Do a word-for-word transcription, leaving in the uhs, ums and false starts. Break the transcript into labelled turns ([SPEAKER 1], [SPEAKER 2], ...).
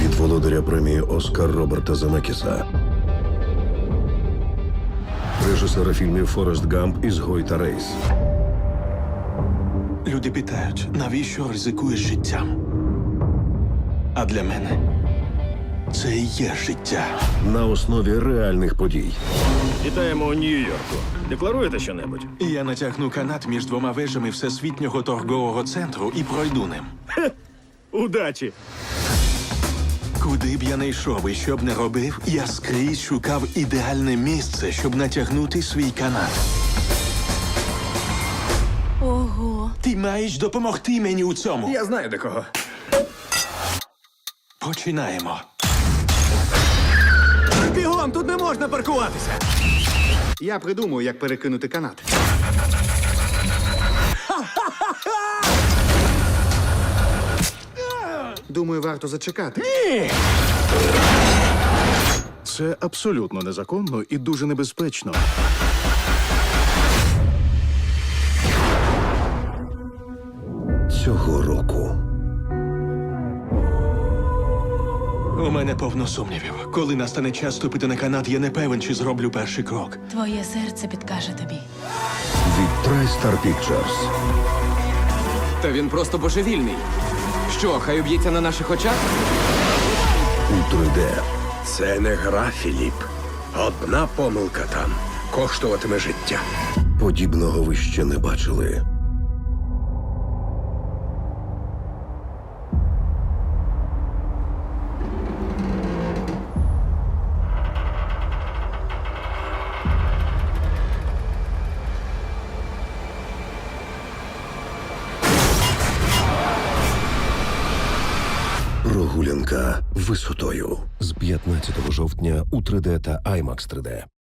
[SPEAKER 1] від володаря премії Оскар Роберта Земекіса, режисера фільмів «Форест Гамп», «Ізгой» та «Рейс».
[SPEAKER 2] Люди питають, навіщо ризикуєш життям? А для мене це і є життя.
[SPEAKER 1] На основі реальних подій.
[SPEAKER 3] Вітаємо у Нью-Йорку. Декларуєте щонебудь?
[SPEAKER 2] І я натягну канат між двома вежами Всесвітнього торгового центру і пройду ним.
[SPEAKER 3] Удачі!
[SPEAKER 2] Куди б я не йшов і що б не робив, я скрізь шукав ідеальне місце, щоб натягнути свій канат.
[SPEAKER 4] Ого.
[SPEAKER 2] Ти маєш допомогти мені у цьому.
[SPEAKER 3] Я знаю до кого.
[SPEAKER 2] Починаємо.
[SPEAKER 3] Бігом, тут не можна паркуватися!
[SPEAKER 5] Я придумаю, як перекинути канат. Думаю, варто зачекати.
[SPEAKER 6] Це абсолютно незаконно і дуже небезпечно.
[SPEAKER 1] Цього року
[SPEAKER 2] У мене повно сумнівів. Коли настане час ступити на канат, я не певен, чи зроблю перший крок.
[SPEAKER 4] Твоє серце підкаже тобі.
[SPEAKER 1] від TriStar Pictures.
[SPEAKER 7] Та він просто божевільний. Що, хай уб'ється на наших очах?
[SPEAKER 1] У три де.
[SPEAKER 8] Це не гра, Філіп. Одна помилка там коштуватиме життя.
[SPEAKER 1] Подібного ви ще не бачили. Прогулянка висотою з п'ятнадцятого жовтня у три де та аймакс три де.